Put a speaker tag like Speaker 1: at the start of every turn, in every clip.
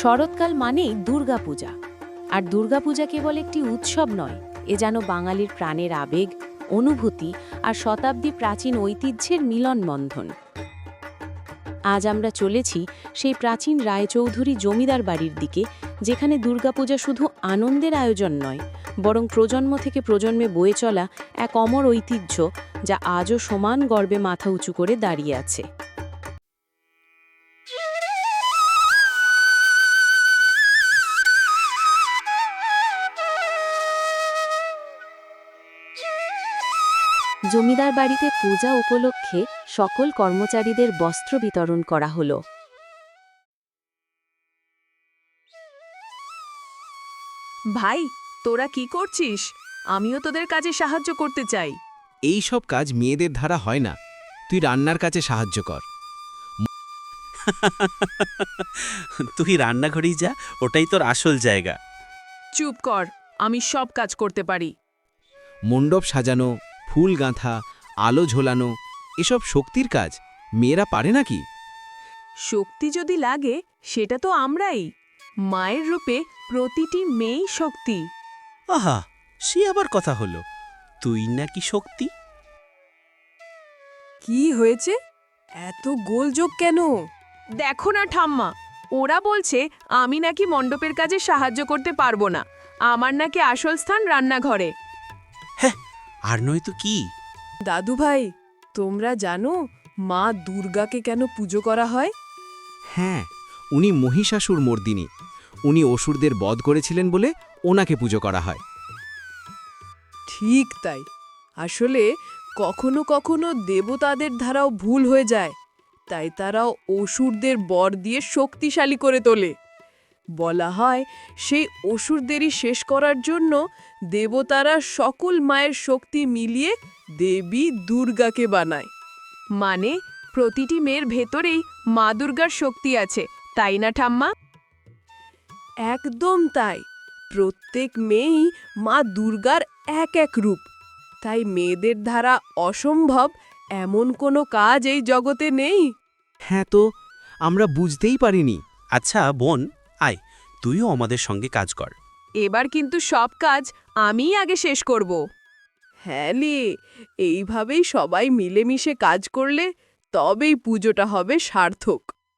Speaker 1: শরৎকাল মানেই দুর্গাপূজা। আর দুর্গাপূজা কেবল একটি উৎসব নয়, এ যেন বাঙালির প্রাণের আবেগ, অনুভূতি আর শতাব্দী প্রাচীন ঐতিহ্যের মিলনবন্ধন। আজ আমরা চলেছি সেই প্রাচীন রায়চৌধুরী জমিদার বাড়ির দিকে, যেখানে দুর্গাপূজা শুধু আনন্দের আয়োজন নয়, বরং প্রজন্ম থেকে প্রজন্মে বয়ে চলা এক অমর ঐতিহ্য, যা আজও সমান গর্বে মাথা উঁচু করে দাঁড়িয়ে আছে। জমিদার বাড়িতে পূজা উপলক্ষে সকল কর্মচারীদের বস্ত্র বিতরণ করা হলো।
Speaker 2: ভাই, তোরা কি করছিস? আমিও তোদের কাজে সাহায্য করতে চাই।
Speaker 3: এই সব কাজ মেয়েদের দ্বারা হয় না, তুই রান্নার কাজে সাহায্য কর।
Speaker 4: তুই রান্নাঘরেই যা, ওটাই তোর আসল জায়গা।
Speaker 2: চুপ কর, আমি সব কাজ করতে পারি।
Speaker 3: মণ্ডপ সাজানো, ফুল গাঁথা, আলো ঝোলানো, এসব শক্তির কাজ, মেয়েরা পারে নাকি?
Speaker 2: শক্তি যদি লাগে, সেটা তো আমরাই। মায়ের রূপে প্রতিটি মেয়েই শক্তি।
Speaker 4: আহা, সে আবার কথা হলো, তুই নাকি শক্তি?
Speaker 2: কি হয়েছে? এত গোলযোগ কেন? দেখো না ঠাম্মা, ওরা বলছে আমি নাকি মণ্ডপের কাজে সাহায্য করতে পারবো না। আমার নাকি আসল স্থান রান্নাঘরে।
Speaker 4: হ্যাঁ, আর নয় তো কি?
Speaker 2: দাদু ভাই, তোমরা জানো মা দুর্গাকে কেন পুজো করা হয়?
Speaker 3: হ্যাঁ, উনি মহিষাসুর মর্দিনী। উনি অসুরদের বধ করেছিলেন বলে ওনাকে পুজো করা হয়।
Speaker 2: ঠিক তাই। আসলে কখনো কখনো দেবতাদের ধারাও ভুল হয়ে যায়, তাই তারাও অসুরদের বর দিয়ে শক্তিশালী করে তোলে। বলা হয় সেই অসুরদেরই শেষ করার জন্য দেবতারা সকল মায়ের শক্তি মিলিয়ে দেবী দুর্গাকে বানায়। মানে প্রতিটি মেয়ের ভেতরেই মা দুর্গার শক্তি আছে, তাই না ঠাম্মা? একদম তাই। প্রত্যেক মেয়েই মা দুর্গার এক এক রূপ। তাই মেয়েদের দ্বারা অসম্ভব এমন কোনো কাজ এই জগতে নেই।
Speaker 3: হ্যাঁ, তো আমরা বুঝতেই পারিনি।
Speaker 4: আচ্ছা বোন, আয়, তুইও আমাদের সঙ্গে কাজ কর।
Speaker 2: এবার কিন্তু সব কাজ আমিই আগে শেষ করব। হ্যাঁ লে, এইভাবেই সবাই মিলেমিশে কাজ করলে তবেই পুজোটা হবে সার্থক।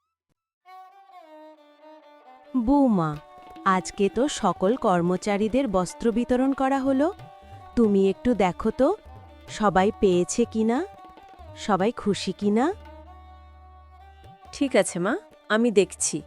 Speaker 1: বৌমা, আজকে তো সকল কর্মচারীদের বস্ত্র বিতরণ করা হলো। তুমি একটু দেখো তো সবাই পেয়েছে কিনা, সবাই খুশি কিনা। ঠিক আছে মা, আমি দেখছি।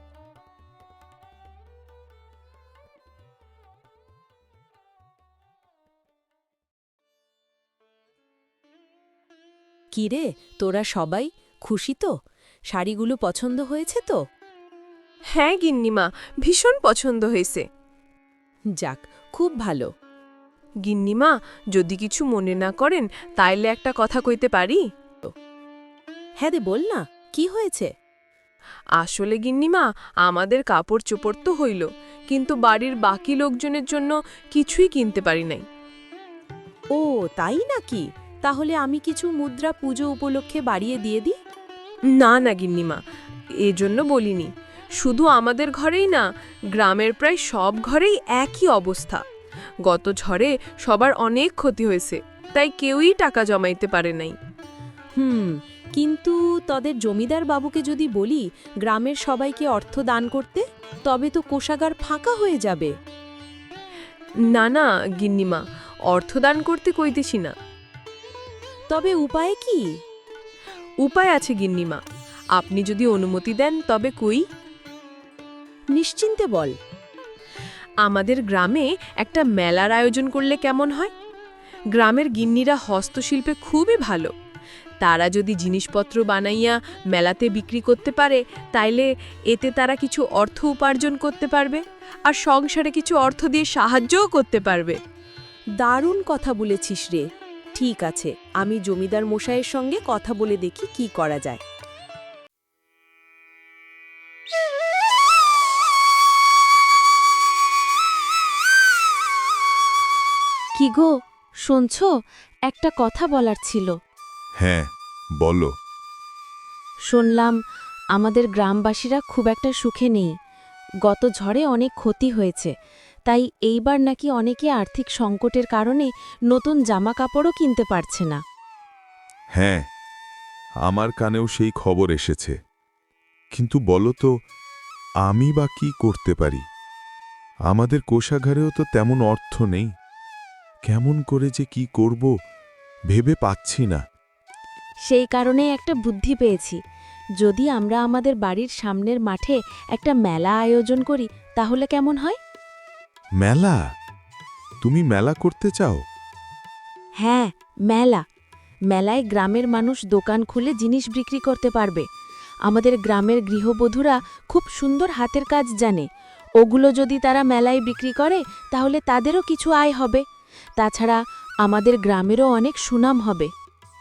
Speaker 1: কিরে, তোরা সবাই খুশি তো? শাড়িগুলো পছন্দ হয়েছে তো?
Speaker 2: হ্যাঁ গিন্নিমা, ভীষণ পছন্দ হয়েছে।
Speaker 1: যাক, খুব ভালো।
Speaker 2: গিন্নিমা, যদি কিছু মনে না করেন তাইলে একটা কথা কইতে পারি?
Speaker 1: হ্যাঁ দে, বল না, কি হয়েছে?
Speaker 2: আসলে গিন্নিমা, আমাদের কাপড় চোপড় তো হইল, কিন্তু বাড়ির বাকি লোকজনের জন্য কিছুই কিনতে পারি নাই।
Speaker 1: ও তাই নাকি? তাহলে আমি কিছু মুদ্রা পুজো উপলক্ষে বাড়িয়ে দিয়ে দিই।
Speaker 2: না না গিন্নিমা, এজন্য বলিনি। শুধু আমাদের ঘরেই না, গ্রামের প্রায় সব ঘরেই একই অবস্থা। গত ঝড়ে সবার অনেক ক্ষতি হয়েছে, তাই কেউই টাকা জমাইতে পারে নাই।
Speaker 1: কিন্তু তোদের জমিদার বাবুকে যদি বলি গ্রামের সবাইকে অর্থ দান করতে, তবে তো কোষাগার ফাঁকা হয়ে যাবে।
Speaker 2: না না গিন্নিমা, অর্থদান করতে কইতেছি না।
Speaker 1: তবে উপায় কি?
Speaker 2: উপায় আছে গিন্নিমা, আপনি যদি অনুমতি দেন তবে কই।
Speaker 1: নিশ্চিন্তে বল।
Speaker 2: আমাদের গ্রামে একটা মেলার আয়োজন করলে কেমন হয়? গ্রামের গিন্নিরা হস্তশিল্পে খুবই ভালো। তারা যদি জিনিসপত্র বানাইয়া মেলাতে বিক্রি করতে পারে, তাইলে এতে তারা কিছু অর্থ উপার্জন করতে পারবে, আর সংসারে কিছু অর্থ দিয়ে সাহায্যও করতে পারবে।
Speaker 1: দারুণ কথা বলেছিস রে। ঠিক আছে, আমি জমিদার মশাইয়ের সঙ্গে কথা বলে দেখি কি করা যায়। কি গো, শুনছো? একটা কথা বলার ছিল।
Speaker 5: হ্যাঁ, বলো।
Speaker 1: শুনলাম আমাদের গ্রামবাসীরা খুব একটা সুখে নেই। গত ঝড়ে অনেক ক্ষতি হয়েছে, তাই এইবার নাকি অনেকে আর্থিক সংকটের কারণে নতুন জামা কাপড়ও কিনতে পারছে না।
Speaker 5: হ্যাঁ, আমার কানেও সেই খবর এসেছে। কিন্তু বলো তো, আমি বা কি করতে পারি? আমাদের কোষাগারেও তো তেমন অর্থ নেই। কেমন করে যে কি করব ভেবে পাচ্ছি না।
Speaker 1: সেই কারণে একটা বুদ্ধি পেয়েছি। যদি আমরা আমাদের বাড়ির সামনের মাঠে একটা মেলা আয়োজন করি তাহলে কেমন হয়?
Speaker 5: মেলা? তুমি মেলা করতে চাও?
Speaker 1: হ্যাঁ, মেলা। মেলায় গ্রামের মানুষ দোকান খুলে জিনিস বিক্রি করতে পারবে। আমাদের গ্রামের গৃহবধূরা খুব সুন্দর হাতের কাজ জানে। ওগুলো যদি তারা মেলায় বিক্রি করে তাহলে তাদেরও কিছু আয় হবে। তাছাড়া আমাদের গ্রামেরও অনেক সুনাম হবে।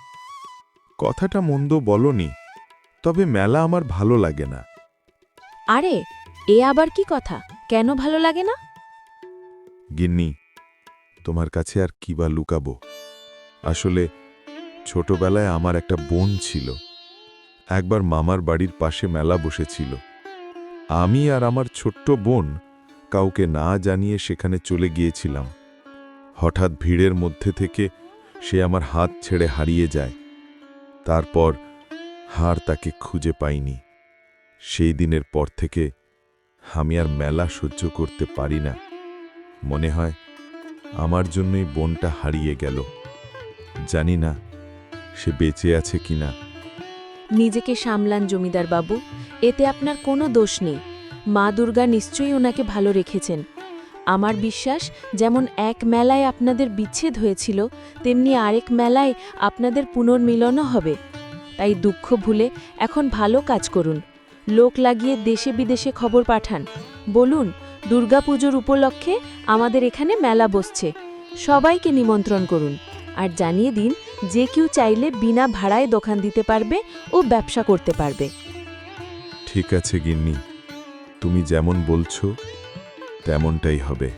Speaker 5: কথাটা মন্দ বলনি, তবে মেলা আমার ভালো লাগে না।
Speaker 1: আরে, এ আবার কি কথা? কেন ভালো লাগে না?
Speaker 5: গিন্নি, তোমার কাছে আর কি বা লুকাবো? আসলে ছোটবেলায় আমার একটা বোন ছিল। একবার মামার বাড়ির পাশে মেলা বসেছিল। আমি আর আমার ছোট্ট বোন কাউকে না জানিয়ে সেখানে চলে গিয়েছিলাম। হঠাৎ ভিড়ের মধ্যে থেকে সে আমার হাত ছেড়ে হারিয়ে যায়। তারপর আর তাকে খুঁজে পাইনি। সেই দিনের পর থেকে আমি আর মেলা সহ্য করতে পারি না। মনে হয় আমার জন্যই বোনটা হারিয়ে গেল। জানি না সে বেঁচে আছে কিনা।
Speaker 1: নিজেকে সামলান জমিদার বাবু, এতে আপনার কোনো দোষ নেই। মা দুর্গা নিশ্চয়ই ওনাকে ভালো রেখেছেন। আমার বিশ্বাস, যেমন এক মেলায় আপনাদের বিচ্ছেদ হয়েছিল, তেমনি আরেক মেলায় আপনাদের পুনর্মিলনও হবে। তাই দুঃখ ভুলে এখন ভালো কাজ করুন। লোক লাগিয়ে দেশে বিদেশে খবর পাঠান। বলুন, দুর্গাপুজোর উপলক্ষে আমাদের এখানে মেলা বসছে, সবাইকে নিমন্ত্রণ করুন। আর জানিয়ে দিন, যে কেউ চাইলে বিনা ভাড়ায় দোকান দিতে পারবে ও ব্যবসা করতে পারবে।
Speaker 5: ঠিক আছে গিন্নি, তুমি যেমন বলছো তেমনটাই হবে।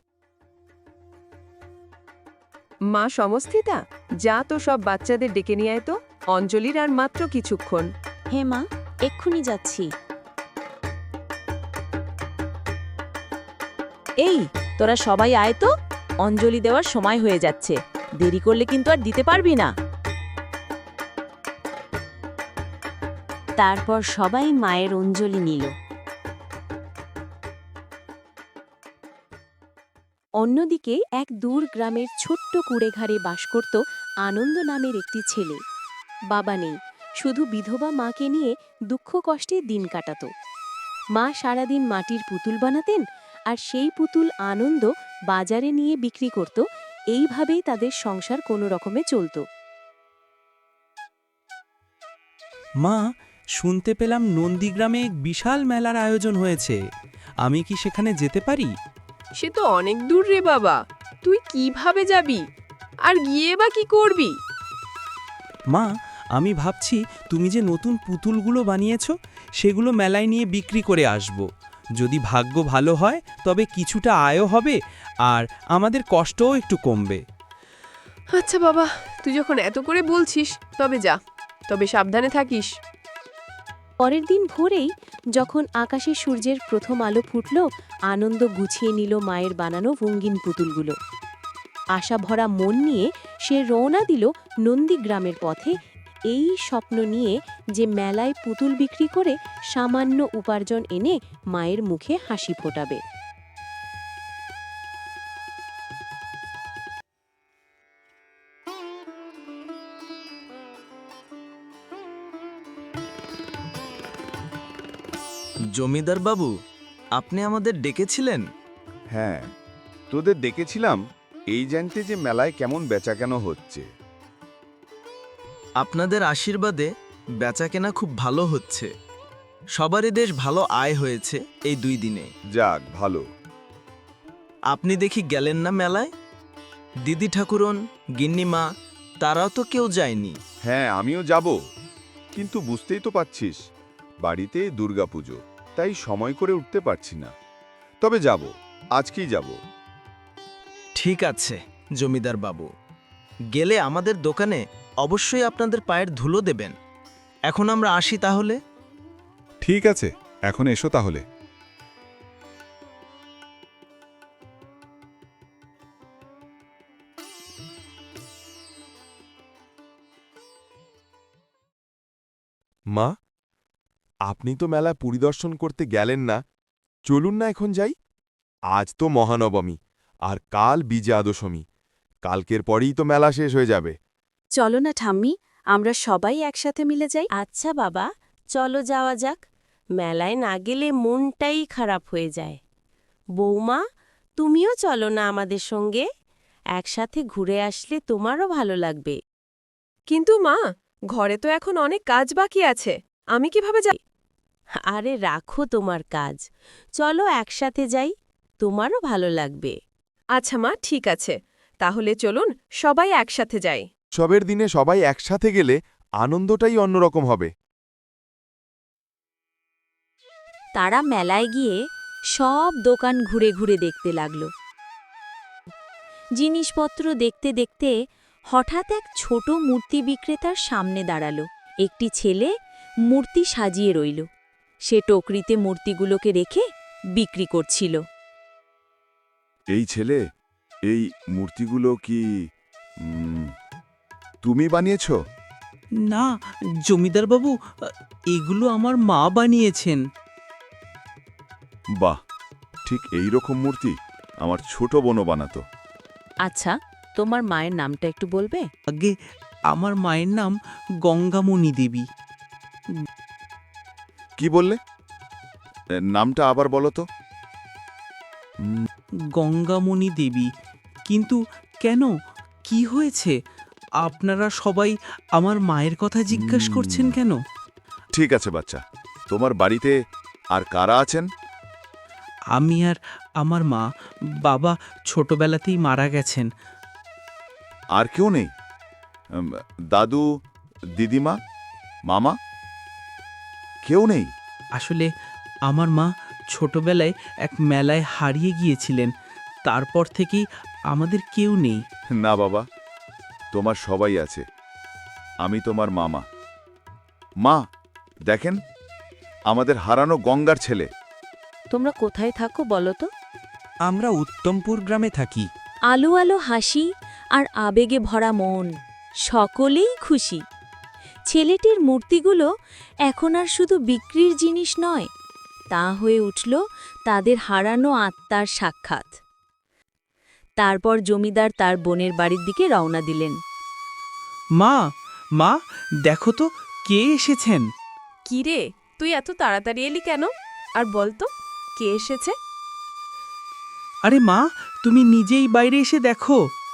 Speaker 2: মা সমস্থিতা, যা তো সব বাচ্চাদের ডেকে নিয়ে আয় তো। অঞ্জলির আর মাত্র কিছুক্ষণ।
Speaker 1: হে মা, এক্ষুনি যাচ্ছি। এই, তোরা সবাই আয় তো, অঞ্জলি দেওয়ার সময় হয়ে যাচ্ছে। দেরি করলে কিন্তু আর দিতে পারবি না। তারপর সবাই মায়ের অঞ্জলি নিল। অন্যদিকে এক দূর গ্রামের ছোট্ট কুড়েঘরে বাস করত আনন্দ নামের একটি ছেলে। বাবা নেই, শুধু বিধবা মাকে নিয়ে দুঃখ কষ্টে দিন কাটাত। মা সারাদিন মাটির পুতুল বানাতেন, আর সেই পুতুল আনন্দ বাজারে নিয়ে বিক্রি করত। এইভাবেই তাদের সংসার কোনো রকমে চলত।
Speaker 6: মা, শুনতে পেলাম নন্দীগ্রামে এক বিশাল মেলার আয়োজন হয়েছে। আমি কি সেখানে যেতে পারি?
Speaker 2: সে তো অনেক দূর রে বাবা, তুই কিভাবে যাবি? আর গিয়ে বা কি করবি?
Speaker 6: মা, আমি ভাবছি তুমি যে নতুন পুতুলগুলো বানিয়েছো সেগুলো মেলায় নিয়ে বিক্রি করে আসব। যদি ভাগ্য ভালো হয় তবে কিছুটা আয়ও হবে, আর আমাদের কষ্টও একটু কমবে।
Speaker 2: আচ্ছা বাবা, তুই যখন এত করে বলছিস তবে যা, তবে সাবধানে থাকিস।
Speaker 1: পরের দিন ভোরেই যখন আকাশে সূর্যের প্রথম আলো ফুটল, আনন্দ গুছিয়ে নিল মায়ের বানানো রঙিন পুতুলগুলো। আশা ভরা মন নিয়ে সে রওনা দিল নন্দীগ্রামের পথে, এই স্বপ্ন নিয়ে যে মেলায় পুতুল বিক্রি করে সামান্য উপার্জন এনে মায়ের মুখে হাসি ফোটাবে।
Speaker 7: জমিদার বাবু, আপনি আমাদের ডেকেছিলেন?
Speaker 8: হ্যাঁ, তোদের ডেকেছিলাম এই জানতে যে মেলায় কেমন বেচাকেনা হচ্ছে।
Speaker 7: আপনাদের আশীর্বাদে বেচাকেনা খুব ভালো হচ্ছে। সবারই বেশ ভালো আয় হয়েছে এই 2 দিনে।
Speaker 8: যাক ভালো।
Speaker 7: আপনি দেখি গেলেন না মেলায়? দিদি ঠাকুরন, গিন্নিমা, তারাও তো কেউ যায়নি।
Speaker 8: হ্যাঁ, আমিও যাব, কিন্তু বুঝতেই তো পাচ্ছিস বাড়িতে দুর্গাপুজো, তাই সময় করে উঠতে পারছি না। তবে যাব, আজকেই যাব।
Speaker 7: ঠিক আছে জমিদার বাবু, গেলে আমাদের দোকানে অবশ্যই আপনাদের পায়ের ধুলো দেবেন। এখন আমরা আসি তাহলে।
Speaker 5: ঠিক আছে, এখন এসো তাহলে। মা, আপনি তো মেলা পরিদর্শন করতে গেলেন না, চলুন না এখন যাই। আজ তো মহানবমী, আর কাল বিজয়া দশমী, কালকের পরেই তো মেলা শেষ হয়ে যাবে।
Speaker 1: চলো না ঠাম্মি, আমরা সবাই একসাথে মিলে যাই। আচ্ছা বাবা, চলো যাওয়া যাক। মেলায় না গেলে মনটাই খারাপ হয়ে যায়। বৌমা, তুমিও চলো না আমাদের সঙ্গে, একসাথে ঘুরে আসলে তোমারও ভালো লাগবে।
Speaker 2: কিন্তু মা, ঘরে তো এখন অনেক কাজ বাকি আছে, আমি কিভাবে যাই?
Speaker 1: আরে রাখো তোমার কাজ, চলো একসাথে যাই, তোমারও ভালো লাগবে।
Speaker 2: আচ্ছা মা, ঠিক আছে, তাহলে চলুন সবাই একসাথে যাই।
Speaker 5: উৎসবের দিনে সবাই একসাথে গেলে আনন্দটাই অন্যরকম হবে।
Speaker 1: তারা মেলায় গিয়ে সব দোকান ঘুরে ঘুরে দেখতে লাগল। জিনিসপত্র দেখতে দেখতে হঠাৎ এক ছোট মূর্তি বিক্রেতার সামনে দাঁড়ালো। একটি ছেলে মূর্তি সাজিয়ে রইল। সে টকরিতে মূর্তিগুলোকে রেখে বিক্রি করছিল।
Speaker 8: এই ছেলে, এই মূর্তিগুলো কি তুমি বানিয়েছ?
Speaker 6: না জমিদার বাবু, এগুলো আমার মা বানিয়েছেন।
Speaker 8: বাহ, ঠিক এই রকম মূর্তি আমার ছোট বোনও বানাতো।
Speaker 1: আচ্ছা, তোমার মায়ের নামটা একটু বলবে?
Speaker 6: আগে আমার মায়ের নাম গঙ্গামণি দেবী।
Speaker 8: কি বললে? নামটা আবার বলো তো।
Speaker 6: গঙ্গামণি দেবী। কিন্তু কেন, কি হয়েছে? আপনারা সবাই আমার মায়ের কথা জিজ্ঞাসা করছেন কেন?
Speaker 8: ঠিক আছে বাচ্চা, তোমার বাড়িতে আর কারা আছেন?
Speaker 6: আমি আর আমার মা। বাবা ছোটবেলাতেই মারা গেছেন।
Speaker 8: আর কেউ নেই? দাদু, দিদিমা, মামা, কেউ নেই?
Speaker 6: আসলে আমার মা ছোটবেলায় এক মেলায় হারিয়ে গিয়েছিলেন, তারপর থেকেই আমাদের কেউ নেই।
Speaker 8: না বাবা, তোমার সবাই আছে। আমি তোমার মামা। মা, দেখেন, আমাদের হারানো গঙ্গার ছেলে।
Speaker 1: তোমরা কোথায় থাকো বলো তো?
Speaker 4: আমরা উত্তমপুর গ্রামে থাকি।
Speaker 1: আলো আলো হাসি আর আবেগে ভরা মন, সকলেই খুশি। ছেলেটির মূর্তিগুলো এখন আর শুধু বিক্রির জিনিস নয়, তা হয়ে উঠল তাদের হারানো আত্মার সাক্ষাৎ। তারপর জমিদার তার বোনের বাড়ির দিকে রওনা দিলেন।
Speaker 6: মা, মা, দেখো তো কে এসেছেন।
Speaker 2: কি রে, তুই এত তাড়াতাড়ি এলি কেন? আর বল তো, কে এসেছে?
Speaker 6: আরে মা, তুমি নিজেই বাইরে এসে দেখো।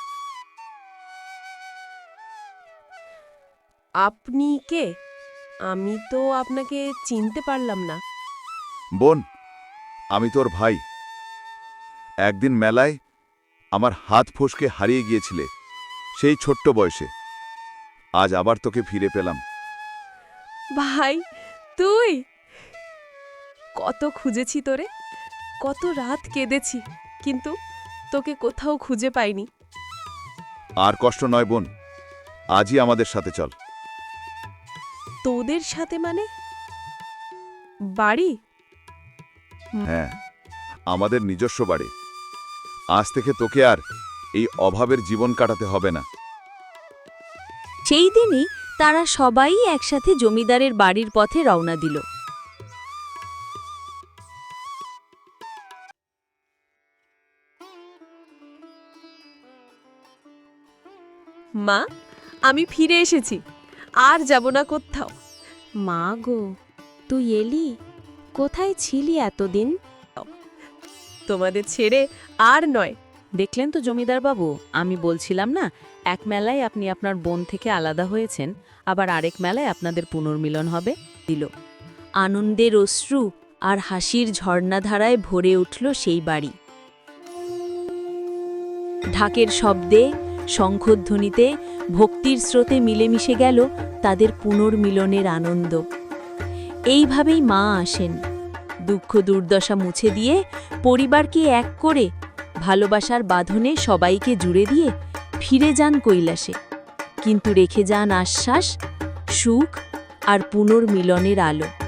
Speaker 2: আপনি কে? আমি তো আপনাকে চিনতে পারলাম না।
Speaker 8: বোন, আমি তোর ভাই। একদিন মেলায় আমার হাত ফসকে হারিয়ে গিয়েছিলে, সেই ছোট্ট বয়সে। আজ আবার তোকে ফিরে পেলাম।
Speaker 2: ভাই, তুই? কত খুঁজেছি তোরে, কত রাত কেঁদেছি, কিন্তু তোকে কোথাও খুঁজে পাইনি।
Speaker 8: আর কষ্ট নয় বোন, আজই আমাদের সাথে চল।
Speaker 2: তোদের সাথে মানে? বাড়ি?
Speaker 8: হ্যাঁ, আমাদের নিজস্ব বাড়ি। আজ থেকে তোকে আর এই অভাবের জীবন কাটাতে হবে না।
Speaker 1: সেই দিনই তারা সবাই একসাথে জমিদারের বাড়ির পথে রওনা দিল।
Speaker 2: মা, আমি ফিরে এসেছি, আর যাব না কোথাও।
Speaker 1: মা গো, তুই এলি? কোথায় ছিলি এতদিন?
Speaker 2: তোমাদের ছেড়ে আর নয়।
Speaker 1: দেখলেন তো জমিদার বাবু, আমি বলছিলাম না, এক মেলায় আপনি আপনার বোন থেকে আলাদা হয়েছেন, আবার আরেক মেলায় আপনাদের পুনর্মিলন হবে। দিল আনন্দের অশ্রু আর হাসির ঝর্ণাধারায় ভরে উঠল সেই বাড়ি। ঢাকের শব্দে, শঙ্খধ্বনিতে, ভক্তির স্রোতে মিলেমিশে গেল তাদের পুনর্মিলনের আনন্দ। এইভাবেই মা আসেন, দুঃখ দুর্দশা মুছে দিয়ে, পরিবারকে এক করে, ভালোবাসার বাঁধনে সবাইকে জুড়ে দিয়ে ফিরে যান কৈলাসে, কিন্তু রেখে যান আশ্বাস, সুখ আর পুনর্মিলনের আলো।